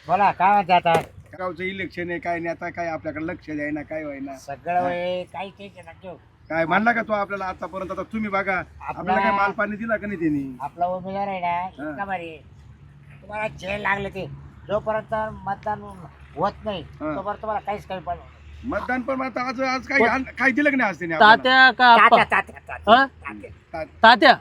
बोला काय म्हणते आता गावचं इलेक्शन आहे काय नाही आता काय आपल्याकडे लक्ष द्यायना काय व्हायना सगळं वय काही टेन्शन नका काय म्हणला का तो आपल्याला आतापर्यंत आता तुम्ही बघा आपल्याला काय माल पाणी दिला का नाही त्यांनी आपला उमेदवार आहे ना इतका भारी तुम्हाला जेल लागले ते जोपर्यंत मतदान होत नाही तोपर्यंत तुम्हाला काहीच कमी पडलं मतदान पण आता आज आज काय काय दिलं का नाही आज त्यांनी तात्या का आप्पा? हा? तात्या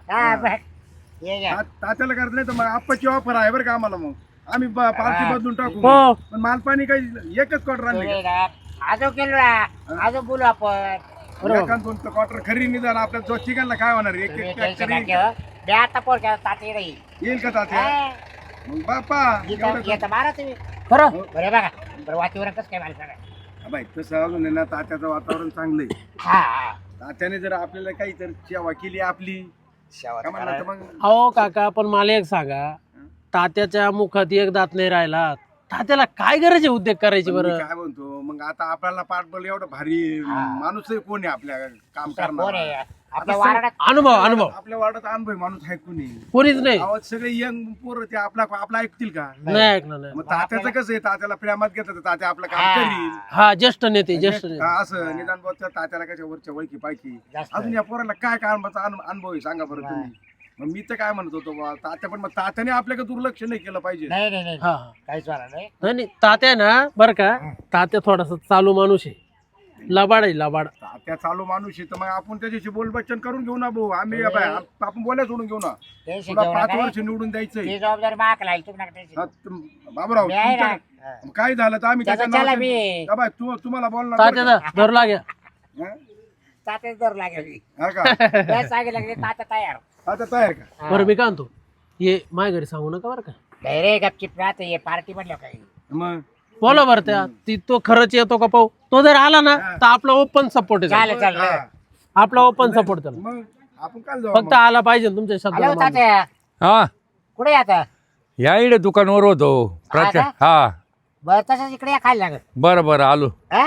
तात्याला करत नाही तर मग आप्पाची ऑफर आहे बरं का आम्हाला मग आम्ही पार्टी बदलून टाकू हो. पण माल पाणी काही एकच क्वार्टर आणले आजो केलो ना आजो बोलू आपण दोन क्वार्टर खरी निदान आपल्या जो चिकनला काय होणार एक एक टेन्शन factory नका मी आता पोर केला ताते नाही येईल का तात्या मग बापा घेता मारा तुम्ही खरं बरे बघा बरं वातावरण कसं काय मला सांगा बाई तसं अजून आहे ना तात्याचं वातावरण चांगलं आहे हा तात्याने जर आपल्याला काही तर सेवा केली आपली शेवट काय म्हणलं तर मग अहो काका पण मला एक सांगा तात्याच्या मुखात एक दात नाही राहिला तात्याला काय गरज आहे उद्योग करायची पण मी बरं काय म्हणतो मग आता आपल्याला पाठबळ एवढं भारी माणूस आहे कोण आहे आपल्या काम कोण करणार आहे आपल्या वारणात अनुभव आपल्या वार्डात अनुभव माणूस आहे कोणी कोणीच नाही आवाज सगळे यंग पोरं ते आपला ऐकतील का नाही ऐकलं नाही मग तात्याचं कसं आहे तात्याला प्रेमात घेतात तात्या आपलं काम करील हा ज्येष्ठ नेते ज्येष्ठ नेते हा, असं निदान बोलतात तात्याला कशा वरच्या वळखी पायकी जास्त. अजून या पोराला काय कामाचा अनुभव आहे सांगा बरं तुम्ही मग मी तर काय म्हणत होतो बा तात्या पण मग तात्याने आपल्याकडे दुर्लक्ष नाही केलं पाहिजे नाही नाही नाही हा काहीच वाला नाही नाही नाही तात्या ना बरं का तात्या थोडासा चालू माणूस आहे लबाड आहे लबाड तात्या चालू माणूस आहे तर मग आपण त्याच्याशी बोलबच्चन करून घेऊ ना भाऊ आम्ही आपण बोलायला सोडून घेऊ ना टेन्शन तुला घेऊ 5 नका वर्ष निवडून द्यायचंय ती जबाबदारी माग लागेल तुम्ही नका टेन्शन बाबूराव मी आहे ना. तुमच्या- काय झालं तर आम्ही त्याचा त्याच्या चला नावाने- मी का बाय, तुम्हाला बोलणार तात्या बरं धर लागेल का? हं? तात्याच दर लागेल हा का काय सांगायला लागले तात्या तयार आता तयार का बरं मी काय म्हणतो ये माझ्या घरी सांगू नका बरं का नाही रे गपचिप राहते हे पार्टी म्हणलं काही मग बोला बरं त्या ती तो खरंच येतो का पाहू तो जर आला ना तर आपला ओपन सपोर्ट आहे चालेल चालेल हा. आपला ओपन सपोर्ट त्याला मग आपण काय जाऊ फक्त आला पाहिजे ना तुमच्या हॅलो शब्दाला मानून. तात्या हा कुठे आता या इकडे दुकानावर होतो का? हा बरं तसंच इकडे या खायला लागत बरं बरं आलो हा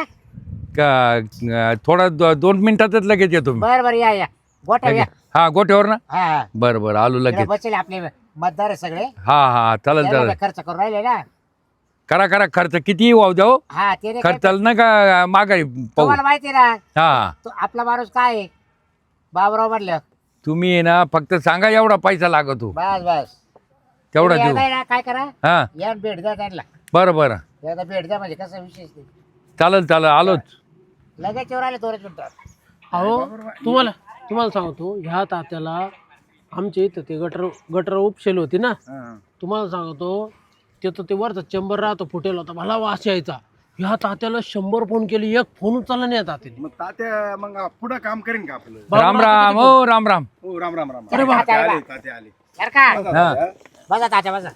थोडा 2 मिनिटातच लगेच येतो मी बरं बरं या गोठ्या या हा गोठ्यावर ना हा हा बरं बरं आलो इकडे लगेच बसले आपले मतदार आहे सगळे हा हा चालेल त्याला चालेल खर्च करून राहिले ना करा करा खर्च किती वाहू द्याव हा ते नाही काय- खर्चाला ना का माघारी पाहू तुम्हाला माहिती आहे ना हा तो आपला माणूस काय आहे बाबराव म्हणलं तुम्ही आहे ना फक्त सांगा एवढा पैसा लागतो बस बस तेवढा तुम्ही देऊ एकदा ना काय करा हा या भेट द्या त्यांना बरं बरं एकदा भेट द्या म्हणजे कसं विशेष नाही चालेल चालेल आलोच लगेच येऊन आले 2 मिनिटात अहो तुम्हाला सांगतो ह्या तात्याला आमच्या इथं ते गटर उपशेल होती ना हा. तुम्हाला सांगतो तिथं ते वरचा चेंबर राहतो फुटेल होता मला वास यायचा ह्या तात्याला 100 फोन केले एक फोन उचलला नाही या तात्याने मग तात्या मग पुढं काम करेन का आपलं राम राम हो राम राम हो राम राम राम अरे वा. तात्या आले तात्या आले बरं का हा बसा तात्या बसा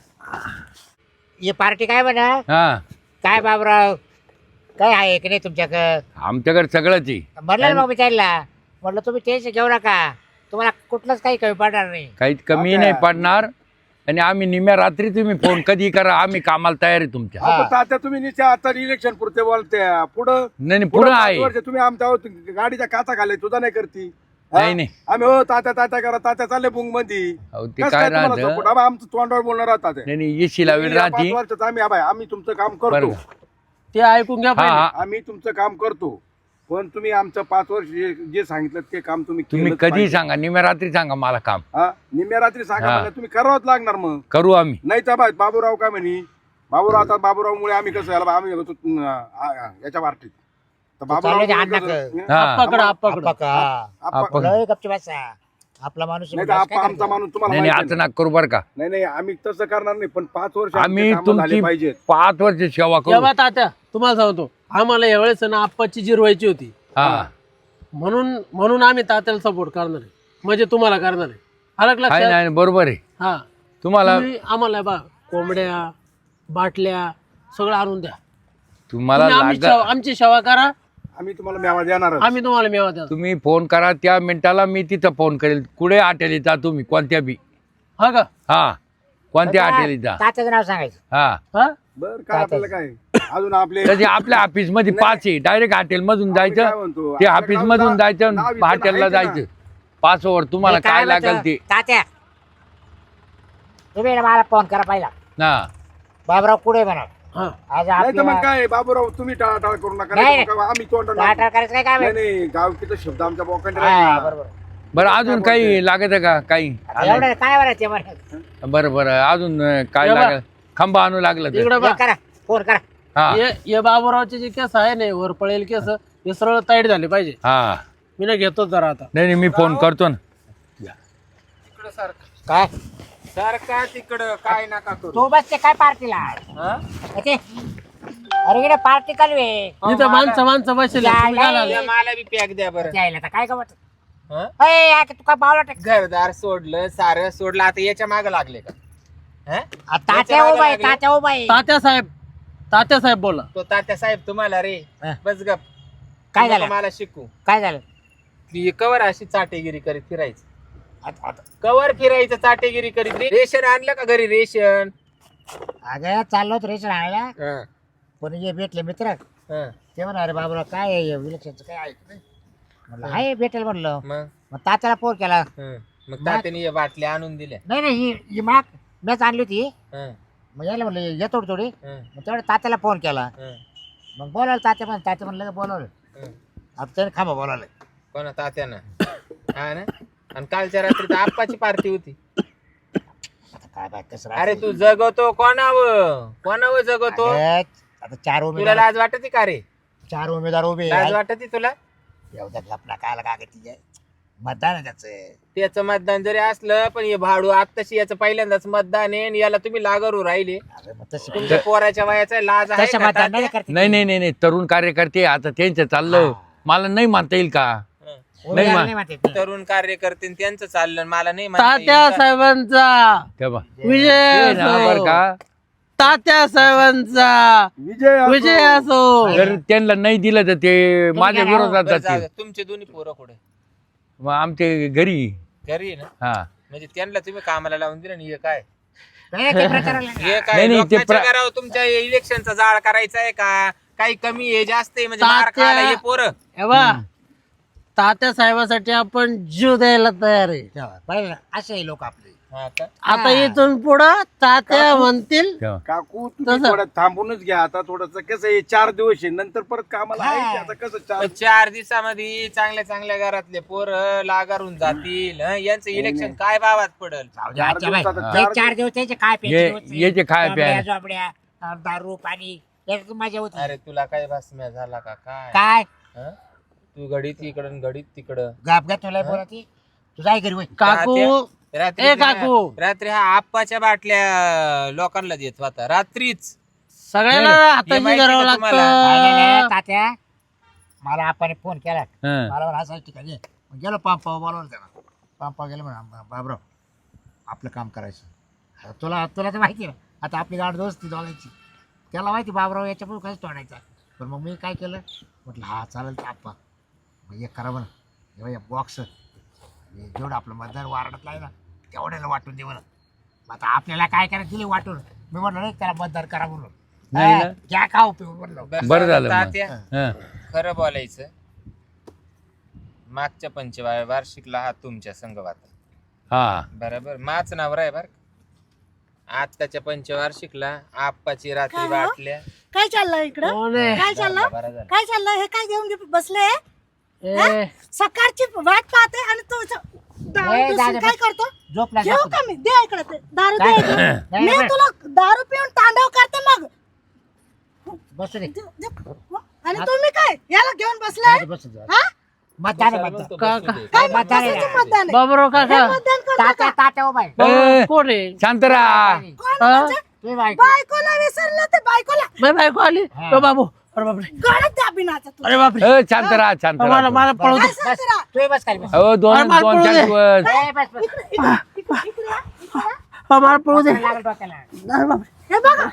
ही पार्टी काय म्हणा हा काय बाबराव काय आहे की नाही तुमच्याकडं आमच्याकडे सगळंच आहे म्हणलं ना मग विचारला म्हटलं तुम्ही टेन्शन घेऊ नका तुम्हाला कुठलंच काही कमी पडणार नाही काहीच कमी नाही पडणार आणि आम्ही निम्या रात्री तुम्ही फोन कधी करा आम्ही कामाला तयार आहे तुमच्या हा, पण तात्या तुम्ही निश्चय आता इलेक्शन पुरते बोलते पुढं नाही नाही, पुढं 5 आहे वर्ष तुम्ही आमच्या गाडीच्या काचा घाले तुझा नाही करती हा? नाही नाही आम्ही हो तात्या तात्या करा तात्या चालले बुंग मध्ये अहो, ते काय राहतं आमचं तोंडावर बोलणार आहात तात्या. नाही नाही येशी लावेल या 5 राहती वर्षात आम्ही तुमचं काम बरं करतो का? ते ऐकून घ्या हा पहिले. हा आम्ही तुमचं काम करतो पण तुम्ही आमचं 5 वर्ष जे सांगितलं ते काम तुम्ही तुम्ही केलंच कधी पाहिजे. सांगा निम्या रात्री सांगा मला काम हा निम्या रात्री सांगा हा. मला तुम्ही करावंच लागणार मग करू आम्ही नाही तर बाय बाबूराव काय म्हणे बाबूराव आता बाबूरावमुळे आम्ही कसं याला आम्ही होतो याच्या पार्टीत तर चालू दे, अण्णा कसं- हा. आप्पाकडं आप्पाकडं आप्पा- लय गपची बसा आपला माणूस नाही तर आमचा माणूस तुम्हाला नाही नाही माहिती असं नाक करू बरं का नाही नाही आम्ही तसं करणार नाही पण 5 वर्ष आम्ही आमचे कामं झाले तुमची पाहिजेत 5 वर्ष सेवा करू तेव्हा तात्या तुम्हाला सांगतो आम्हाला यावेळेस ना आप्पाची जिरवायची होती हा म्हणून आम्ही तात्याला सपोर्ट करणार आहे म्हणजे तुम्हाला करणार आहे अलग आहे लक्षात नाही बरोबर आहे हा तुम्हाला तुम्ही आम्हाला बा कोंबड्या बाटल्या सगळं आणून द्या तुम्हाला तुम्ही आमची सेवा करा आम्ही तुम्हाला मेवा देणार आम्ही तुम्हाला मेवा द्या तुम्ही फोन करा त्या मिनिटाला मी तिथं फोन करेल कुठे हॉटेल जा तुम्ही कोणत्या बी हा का हा कोणत्या हॉटेल जा तात्याचं नाव सांगायचं हा हा बर काय आपल्याला काय अजून आपले तसे आपल्या ऑफिस मध्ये 5 आहे डायरेक्ट हॉटेल मधून काय जायचं म्हणतो, ते आपल्या ऑफिस मधून गावाला जायचं नाव इथं हॉटेलला आहे का? जायचं 5 ओव्हर तुम्हाला मी काय म्हणतो, लागेल ते तात्या तुम्ही ना मला फोन करा पाहिला हा बाबराव पुढे म्हणा हा. आज नाही तर मग आपल्याला काय बाबूराव तुम्ही टाळाटाळ करू नका नाही. नाही तर मग आम्ही तोंड टाळाटाळ करायचं काय काम नाही आहे? नाही गावकीचा शब्द आमच्या बोकांडे हा, राहील. बरोबर. बरं अजून काही लागत आहे का काही आता एवढं काय बरं ते बरं बरं बरं अजून काय ये बा. लागेल खंबा आणू लागलं तर इकडे बा करा फोन करा. हा ये बाबूरावचे जे केस आहे ना वर पळेल केस हे सरळ ताईट झाले पाहिजे. हा मी ना घेतो जरा आता. नाही नाही मी फोन करतो ना तिकडं सारखं काय सारखा तिकडं काय नका करू तू बसते काय पार्टीला हा? ते अरे इकडे पार्टी चालू आहे. इथं माणसं बसले या मला बी पॅक द्या बरं जायला तर काय गमत हा? तू काय पावला टाक घरदार सोडलं सारं सोडलं आता याच्या माग लागले का हा? तात्या उभा आहे तात्या उभा आहे. तात्या साहेब बोला. तो तात्या साहेब तुम्हाला रे हा. बस गप काय नको झालं मला शिकू काय झालं ती कवर अशी चाटेगिरी करीत फिरायचं आता कवर फिरायचं चाटेगिरी करीत रेशन आणलं का घरी रेशन अगं चाललो होतो रेशन आणायला हा, पण हे भेटले मित्र हा. ते म्हणा अरे बाबूराव काय आहे विलक्षणचं काय ऐक नाही म्हणलं हाय भेटेल म्हणलं मग मग तात्याला फोन केला हं. मग तात्याने हे बाटल्या आणून दिल्या नाही नाही ही माग मॅच आणली होती हं, मग यायला म्हणलं ये थोडी थोडी हं, मग तेवढं तात्याला फोन केला हं, मग बोलावलं तात्या म्हणलं बोलावलं हं. आता त्याने खांबा बोलावलं कोणा तात्यानं हा ना आणि कालच्या रात्री तर आप्पाची पार्टी होती आता काय बाय कसं अरे राहतं? तू जगवतो कोणावर जगवतो अगं, आता चार तुला उमेदवार लाज वाटते का रे चार उमेदवार उभे लाज वाटते तुला एवढ्या लपला काय काय तिथे मतदान आहे त्याचं त्याचं मतदान जरी असलं पण हे भाडू आत्ताशी याचं पहिल्यांदाच मतदान आहे आणि याला तुम्ही लागरू राहिले अरे मग तशी तुमच्या पोराच्या वयाचा लाज आहे तसं का मतदान नाही तात्या? करते नाही नाही नाही नाही तरुण कार्यकर्ते आता त्यांचं चाललं हा. मला नाही मानता येईल का हं. उमेदवार मा- नाही म्हणते ते. तरुण कार्यकर्ते आणि त्यांचं चाललं आणि मला नाही म्हणता तात्या येईल का? साहेबांचा तेव्हा विजय बरं असो. का तात्या साहेबांचा विजय असो. जर त्यांना नाही दिलं तर ते माझ्या घ्या ना. विरोधात बरं, जाऊ जातील दे. तुमचे दोन्ही पोरं कुठे मग आमचे घरी घरी आहे ना हा म्हणजे त्यांना तुम्ही कामाला लावून दिलं आणि हे काय नाही, ते प्रचाराला हे नाही, काय नाही, ते लोकांच्या घरावर तुमच्या इलेक्शनचा जाळ करायचा आहे का काही कमी आहे जास्त आहे म्हणजे मार तात्या- खायला हे पोरं हे बा तात्या साहेबासाठी आपण जीव द्यायला तयार आहे. तेव्हा पाहिलं ना, असे लोक आपले हा का? आता इथून पुढं तात्या म्हणतील तेव्हा काकू तुम्ही तसं. थोडं थांबूनच घ्या आता थोडस कसं आहे 4 दिवस आहे नंतर परत कामाला आहे की आता कसं पण 4 दिवसामध्ये चांगल्या चांगल्या घरातले पोर लागारून जातील हं? यांचं इलेक्शन काय भावात पडल जाऊ दे, आजच्या बाई. दिवसात हे 4 दिवस त्याचे काय याचे खाय प्यायला. झोपड्या दारू पाणी याच्यात मजा होती अरे तुला काय भासम्या झाला का काय काय हं? तू घडीत इकडं घडीत तिकडं गाप तुला बोलती तू जाय घरी वय काकू रात्री ए काकू. रात्री हा आप्पाच्या बाटल्या लोकांना देत होता रात्रीच सगळ्यांना हे हाताशी माहिती करावं का तुम्हाला? लागतं. तात्या मला आपण फोन केला हं. मला म्हणा असं ठिकाणी ये. मग गेलो पंपावर बोलवलं त्याला पंपावर गेलो म्हणा बाबराव आपलं काम करायचं आता तुला तुला तर माहिती आहे ना आता आपली गाड दोस्ती दोघांची त्याला माहिती बाबराव याच्यापुढे काहीच तोडायचा पण मग मी काय केलं म्हटलं हा चालेल तर आप्पा मग एक करा म्हणा हे बॉक्स जेवढं आपलं मतदार वारडातला आहे ना तेवढ्याला वाटून दे म्हणा मग आता आपल्याला काय करायचं दिले वाटून मी म्हटलं नाही त्याला मतदार करा म्हणून नाही ना. घ्या का उपयोग म्हणलं बरं झालं मग. तात्या हं. खरं बोलायचं मागच्या वार्षिकला हा तुमच्या संघवात हा बरोबर माच नावर आहे बर आत्ताच्या पंचवार्षिकला आप्पाची रात्री बाटल्या काय चाललंय इकडं कोण आहे? काय चाललं बरं झालं. काय चाललंय हे काय घेऊन बसले ए, सकाळची वाट पाहते आणि तू दारू ए, पिऊन दादा, काय करतो झोपला घेऊ झोपला. का मी दे इकडे ते दारू दे काय? इकडे. नाही, मी नाही. तुला दारू पिऊन तांडव करते मग बसू दे आणि तुम्ही काय याला घेऊन बसलाय बसू दे हा मतदान आहे, कशाला मतदान म्हणतो का- बसू दे? काय मतदान आहे. कशाचं मतदान आहे? बाबूराव काका हे मतदान करू तात्या नका. तात्या उभा आहे. बाबूराव कोण आहे? शांत राहा कोण हा? म्हणजे? तुम्ही बायको. बायकोला विसरलं ते बायकोला बाई बायको आली हा. ओ बाबू अरे बापरे गळत द्या बिनाचा तुला अरे बापरे शांत राहा शांत मला राहा मला पळू दे काय सांगते रा? तुम्ही बस खाली बस. हो दोन अरे मला दोन पळू चार दे. दिवस ए, बस बस इकडे या, इकडे या. हा, मला पळू दे लागलं डोक्याला. अरे बापरे हे बघा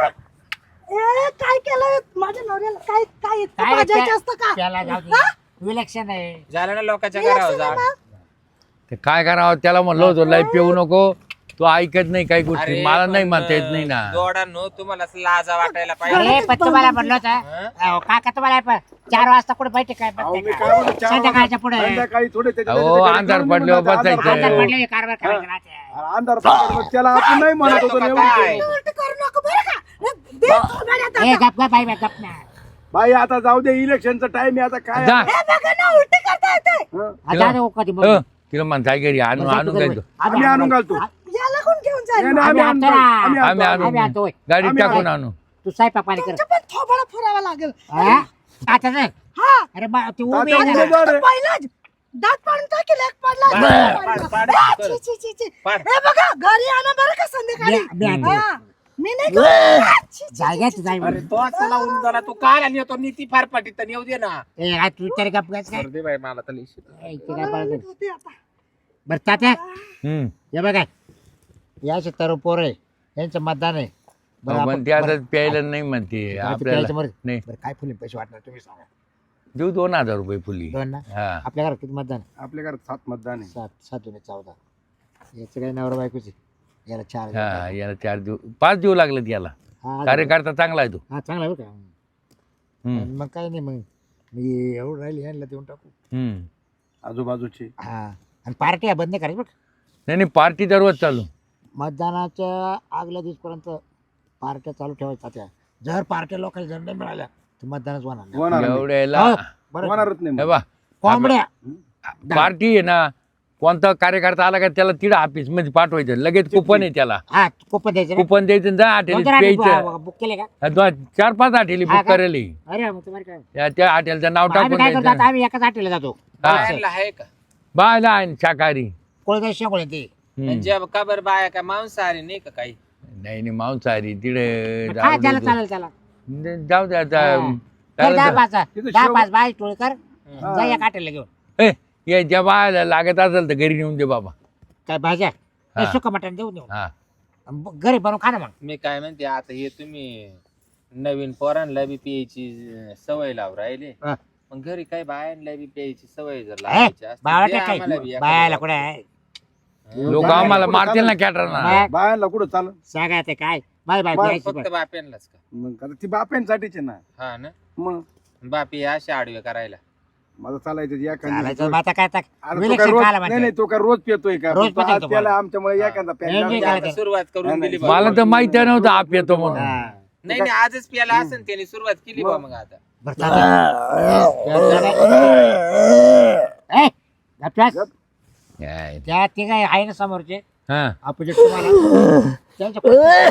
ए काय केलं माझ्या नवऱ्याला काय काय इतकं काय भाजायचं असतं का त्याला जाऊ दे. हा? विलक्षण आहे झालं ना लोकांच्या घरावर जा ते काय करावं त्याला म्हणलं होतं लय पिऊ नको तो ऐकत नाही काही गोष्टी अरे मला नाही पण, म्हणता येत नाही ना जोडांनो तुम्हाला असं लाजा वाटायला पाहिजे अरे पण तुम्हाला म्हणलं होतं अहो, काका तुम्हाला 4 वाजता कुठे बैठक काय अहो, मी बसते काय का? म्हणतो, 4 संध्याकाळच्या पुढे संध्याकाळी थोडे त्याच्या- अहो, त्याच्या- अंधार त्याच्या- पडल्यावर अंधार बसायचं. पडल्यावर- अंधार पडले कारभार करायचं राहते. अंधार पडल्यावर त्याला आपण नाही म्हणत होतो जातो ना का एवढं काय? केलं. उलट करू नको बरं का दे थोबाड्यात ए आता. गप गप बाई गप ना. बाई आता जाऊ दे इलेक्शनचा टाइम आहे आता काय जा. हे बघा ना उलटी करता येते. हं? आता जाऊ कधी मग. तिला म्हणताय घरी आणून काय तो आम्ही आणून घालतो याला कोण घेऊन जाईल? नाही, नाही, आम्ही आणतो. आम्ही आम्ही आणतो. आम्ही आणून आणतो होय. गाडीत आम्ही टाकून आणू तू स्वयंपाक पाणी कर. तुमचं पण थोबाडा फुरावा लागेल. हा? आता नाही. हा अरे बा ती उभी तात्या आहे ना. उमेदवार आहे. पहिलाच दात पाडून टाकेल एक पडला पाड, पाड, आ, कर. छी, छी, छी, छी. पाड. हे बघा घरी आणा बरं का संध्याकाळी. मी आणतो. हा. मी नाही करत. आ, छी, छी, जायगा छी, जाय अरे तो चला उन झाला तू काय आणि येतो नीती फार पाठी तर येऊ दे ना ए आज तू तरी गप गप काय दे बाई मला तर लिहिशी. ए, इथे काय पाळत नाही. होते आता. बरं तात्या हम्म. हे बघा याचे तरुण पोर आहे यांचं मतदान आहे बरं, पण आपण- ते आता बरं, प्यायला नाही म्हणते प्यायचं आपल्याला बरं. नाही बरं, काय फुले पैसे वाटणार तुम्ही सांगा देऊ 2000 रुपये फुली दोन ना हा आपल्या घरात किती मतदान आहे? आपल्या घरात 7 मतदान आहे 7 दुने 14 याचं काही नवरा बायकोचे याला 4 हा याला 4 देऊ 5 देऊ लागलं याला हा कार्यकर्ता चांगला आहे तो हा चांगला आहे बरं का हम्म. आणि मग काही नाही मग मी एवढं राहिली यांना देऊन टाकू हम्म. आजूबाजूचे हा आणि पार्ट्या बंद नाही करायची बरं नाही नाही पार्टी दररोज चालू मतदानाच्या आगल्या दिवसपर्यंत पार्ट्या चालू ठेवायच्या त्या जर पार्ट्या लोकांना जर नाही मिळाल्या तर मतदानच होणार नाही. होणार नाही. एवढ्याला हो, बरं होणारच नाही हे मग. बा कोंबड्या पार्टी आहे ना कोणता कार्यकर्ता आला का त्याला तिडं ऑफिस मध्ये पाठवायचं लगेच कुपन आहे त्याला हा कुपन द्यायचं ना? कुपन द्यायचं जा हॉटेल प्यायचं बुक केले का 4-5 हॉटेली हा बुक का? करेल अरे मग तुम्हाला काय त्या हॉटेलचं नाव आम्ही टाकून काय करतो द्यायचं आता आम्ही एकाच हॉटेलला जातो बायांना आहे का बायला आहे शाकाहारी कोळदा शेकोळे ते हम्म. म्हणजे का बरं बाया का मांसाहारी नाही का काही नाही नाही मांसाहारी तिकडे हा त्याला चालेल त्याला जाऊ द्या कर 10-5 तिथं 10-5 बाय टोळ कर जा या हॉटेलला घेऊन ज्या बायला लागत असेल तर घरी नेऊन दे बाबा काय भाज्या हा. सुक मटण देऊ देऊ हा घरी बनवून खा ना मग मी काय म्हणते आता हे तुम्ही नवीन पोरांना बी प्यायची सवय लाव राहिले हा. मग घरी काय बायांना बी प्यायची सवय जर ए, लावायची असती, बावळट दे काय आम्हाला बी एखादं बायाला बॉटल. कुठे आहे लोक आम्हाला मारतील ना कॅटरना मग बायांना कुठं चालत सांगा ते काय बाय बाय बाय, प्यायची फक्त बाप्यांनाच का मग आता ती बाप्यांसाठीच आहे ना हा ना मग बापी अशा आडवे करायला माझं चालायचं चालायचं मग आता काय आता अरे तो विलक्षण काय रोज खायला नाही म्हणते. नाही तो काय रोज पितोय का रोज तो पितो आज तो त्याला बरं. आमच्यामुळे एखादा प्यायला नाही, म्हणजे नाही, आता सुरुवात करून नाही, दिली नाही. बा. मला तर माहिती नव्हतं आप येतो म्हणून हा. नाही नाही आजच प्याला असेल त्याने सुरुवात केली बा मग आता बरं, चालेल. ए, गपचास. काय? त्या ते काय आहे ना समोरचे हा अपोजिट तुम्हाला त्यांच्या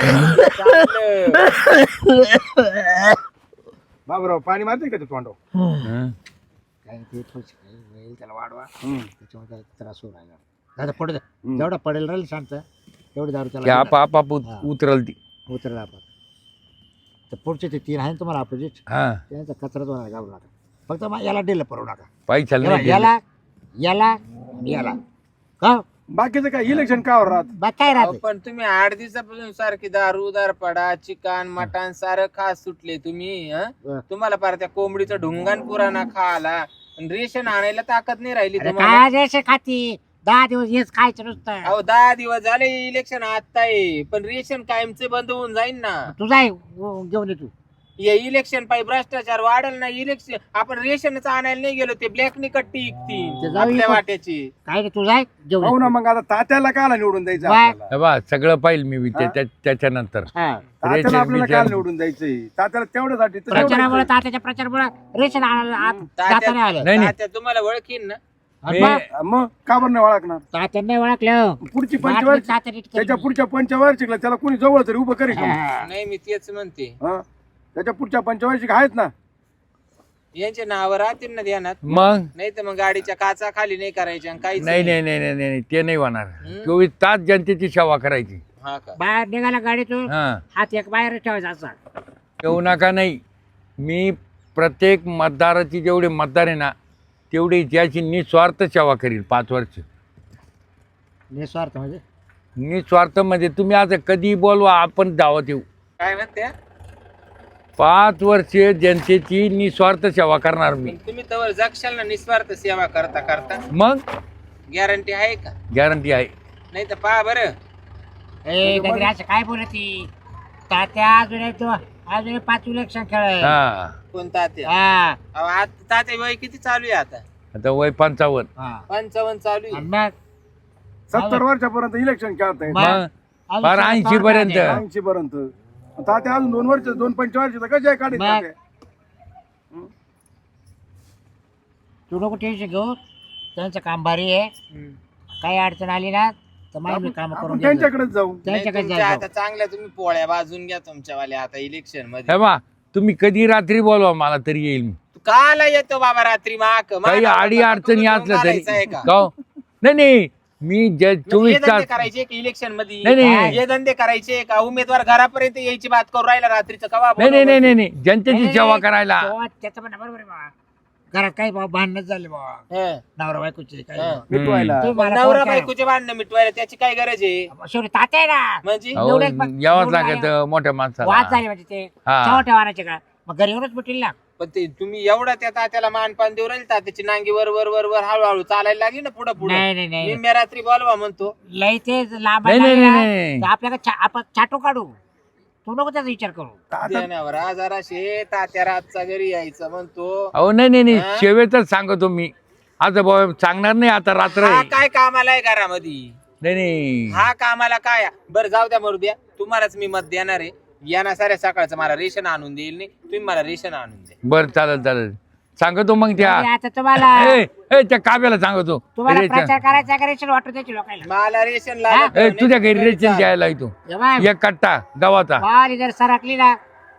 बाबराव पाणी मारते का ते तोंडावर हं. काय ते थोडंसं काही होईल, त्याला वाढवा हम्म. त्याच्यामुळे त्याला त्रास होऊ राहिला दादा पडू दे जेवढा पडेल राहील शांत तेवढी दारू की त्याला आपाप उतरल ती उतरला आपण तर पुढचे ते 3 आहे ना तुम्हाला अपोजिट हा त्यांचा कचराच होणार घाबरू नका फक्त मग याला डिल पडू नका पैशाला नाही याला याला आणि याला का बाकीचं काय इलेक्शन का राहत बा काय अहो, राहते पण तुम्ही 8 दिवसापासून सारखी दारू दारपडा चिकन मटण सारं खास सुटले तुम्ही हं? हं. तुम्हाला पार त्या कोंबडीचा ढुंगान पुराणा खाला पण रेशन आणायला ताकद नाही राहिली अरे तुम्हाला काय रेषे खाती 10 दिवस हेच खायचं नुसतं अहो 10 दिवस झाले इलेक्शन आता आहे पण रेशन कायमचे बंद होऊन जाईल ना तू जाय घेऊन ये तू हे इलेक्शन पायी भ्रष्टाचार वाढेल ना इलेक्शन आपण रेशनच आणायला नाही गेलो ते ब्लॅक नि कट्टी ते इकती जाऊ आपल्या इकडं. वाट्याची काय रे तू जाय घेऊन हो ये. ना मग आता तात्याला काला निवडून द्यायचं बाय. आपल्याला हे बा सगळं पाहिजे मी त्याच्यानंतर हा. तात्याला रेशन आपल्याला बिशन. काल निवडून द्यायचंय तात्याला तेवढ्यासाठी तर प्रचारामुळे तेवढंच तात्याच्या प्रचारामुळे रेशन आणायला आत जाता नाही आलं नाही नाही तात्या तुम्हाला ओळखीन ना आणि मी- मग आहे. मग का बरं नाही ओळखणार तात्याने ओळखलं पुढची बाटली पंचवार्षिक तात्याने इतकं- त्याच्या पुढच्या पंचवार्षिकला त्याला कोणी जवळ तरी उभं करेल का? हा. नाही मी तेच म्हणते हं? त्याच्या पुढच्या पंचवार्षिक आहेत ना यांचे नाव राहतील ना ध्यानात मग नाही तर मग गाडीच्या काचा खाली नाही करायच्या आणि काहीच नाही नाही नाही नाही नाही ते नाही होणार हं? 24 तास जनतेची सेवा करायची हा का बाहेर निघाला गाडीतून हा हात एक बाहेर ठेवायचा असा येऊ नका नाही मी प्रत्येक मतदाराची जेवढे मतदार आहे ना तेवढी त्याची निस्वार्थ सेवा करील 5 वर्ष निस्वार्थ म्हणजे निस्वार्थ म्हणजे तुम्ही आता कधी बोलवा आपण दावत येऊ काय म्हणते 5 वर्ष जनतेची निस्वार्थ सेवा करणार मी पण तुम्ही तवर जगशाल ना निस्वार्थ सेवा करता करता मग गॅरंटी आहे का गॅरंटी आहे नाही तर पहा बरं ए गजरे असं काय बोलती तात्या अजून 5 इलेक्शन खेळ हा कोणता तात्या हा अहो, आता तात्या वय किती चालू आहे आता आता वय 55 हा. 55 चालू आहे आणि मग 70 वर्षापर्यंत इलेक्शन खेळता येत मग- मग फार 80 पर्यंत 80 पर्यंत तात्या अजून 2 वर्ष 2 पंचवर्षाचा कशा काढायचं मग. तात्या? तू नको टेन्शन घेऊ, त्यांचं काम भारी आहे. काही अडचण आली ना तर मी काम आपण करून त्यांच्याकडेच जाऊ. त्यांच्याकडे तुमच्या जायचं. आता चांगल्या तुम्ही पोळ्या बाजून घ्या तुमच्यावाल्या आता इलेक्शन मध्ये. हे बा तुम्ही कधी रात्री बोलवा मला तरी येईल मी. तू काला येतो बाबा रात्री माक काही अडी अडचणी असल्या तरी का का हो? नाही मी म्हणजे 24 हे धंदे तास करायचे की इलेक्शन मध्ये नाही, नाही. हे धंदे करायचे का उमेदवार घरापर्यंत यायची बात करू राहिला रात्रीचं कवा नाही जनतेची सेवा करायला. त्याचं पण बरोबर आहे बाबा. घरात काही बाबा भांडणच झाले बाबा, हं. नवरा बायकोचे काही हं. मिटवायला. तुम्ही मला नवरा फोन करा. बायकोचे भांडणं मिटवायला त्याची काय गरज आहे शेवटी तात्या आहे ना, म्हणजे अहो, एवढेच यावंच एवढं लागत मोठ्या वाद माणसाला. झाले म्हणजे ते हा. छोट्या वाहनाचे का मग घरी येऊनच मिटेल ना. पण ते तुम्ही एवढा त्या तात्याला मानपान देऊ राहील तात्याची नांगी वर वर वर वर हळूहळू चालायला लागली ना पुढे पुढे नाही नाही मी रात्री बोलवा म्हणतो लई ते लांब नाही, नाही. आपल्याला आपण छाटू काढू. तू नको त्याचा विचार करू. देण्यावर जराशे तात्या रातचा घरी यायचं म्हणतो. अहो नाही हा? शेवेतच सांगतो मी. आता भाऊ सांगणार नाही आता रात्र हा आहे. काय कामाला आहे घरामध्ये नाही हा कामाला काय बरं जाऊ द्या मरू द्या तुम्हालाच मी मत देणार आहे. यांना साऱ्या सकाळचं मला रेशन आणून देईल नाही तुम्ही मला रेशन आणून द्या. बरं चालेल सांगतो मग त्या आणि आता तुम्हाला त्या काव्याला सांगतो. तुम्हाला रेशन. प्रचार करायचा का रेशन वाटू द्यायची लोकांना. मला रेशन हा? लागत नाही. तुझ्या घरी रेशन द्यायला येतो हे बाय, एक कट्टा गव्हाचा. वारी जर सरकली ना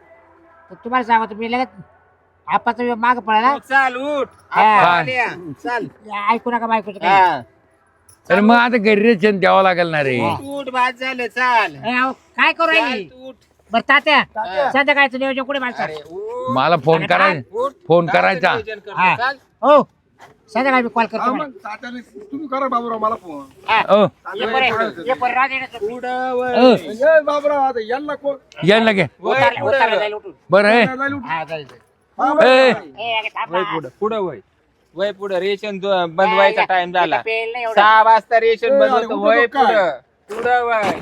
तर तुम्हाला सांगतो मी लगेच आपाचा माग पडायला. तू चाल उठ हा. आपण आल्या. चाल ऐकू नका बायकोचं काही. हा. तर मग आता घरी रेशन द्यावं लागेल ना रे. उठ बाद झालं चाल ए, अहो, काय करू चाल, राहिली तू उठ. बरं तात्या संध्याकाळचं नियोजन कुठे माणसं. अरे उठ. मला फोन करायचा उठ. फोन काय करायचा. नियोजन करतो? हा. चाल. हो संध्याकाळी मी कॉल करतो हा मला. मग तात्याने तुम्ही करा बाबूराव मला फोन. हा. अ ये बरं, ये बरं, राहू दे ना तुम्ही. पुढं वळ. ये बाबूराव आता यांना कोण यायला लागे वळ, उतारलं- पुढं उतारलं वळ. जाईल उठून. बरं आहे. जायला उठ. हा, जाईल, जाईल. हा, ए, ए, अगं थांब वय ना. पुढं पुढं वय वय पुढं रेशन बंद व्हायचा टाइम झाला. इथं पेल नाही एवढं. 6 वाजता रेशन ए, बंद अरे, होतं. उठू वय नको काय? पुढं पुढं वय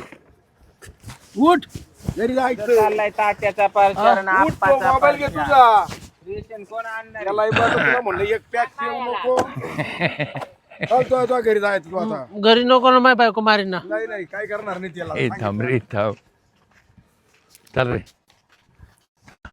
उठ घरी जायचं. चाललाय तात्याचा प्रचार आणि उठ तो आप्पाचा मोबाईल घे प्रचार. तुझा. रेशन कोण आणणार त्याला तुला म्हणलं एक पॅक ठेवू नको. तो घरी जायचं तू आता. घरी नको ना माय बायको मारीन ना. नाही काय करणार नाही त्याला. ए थांब रे थांब. चल रे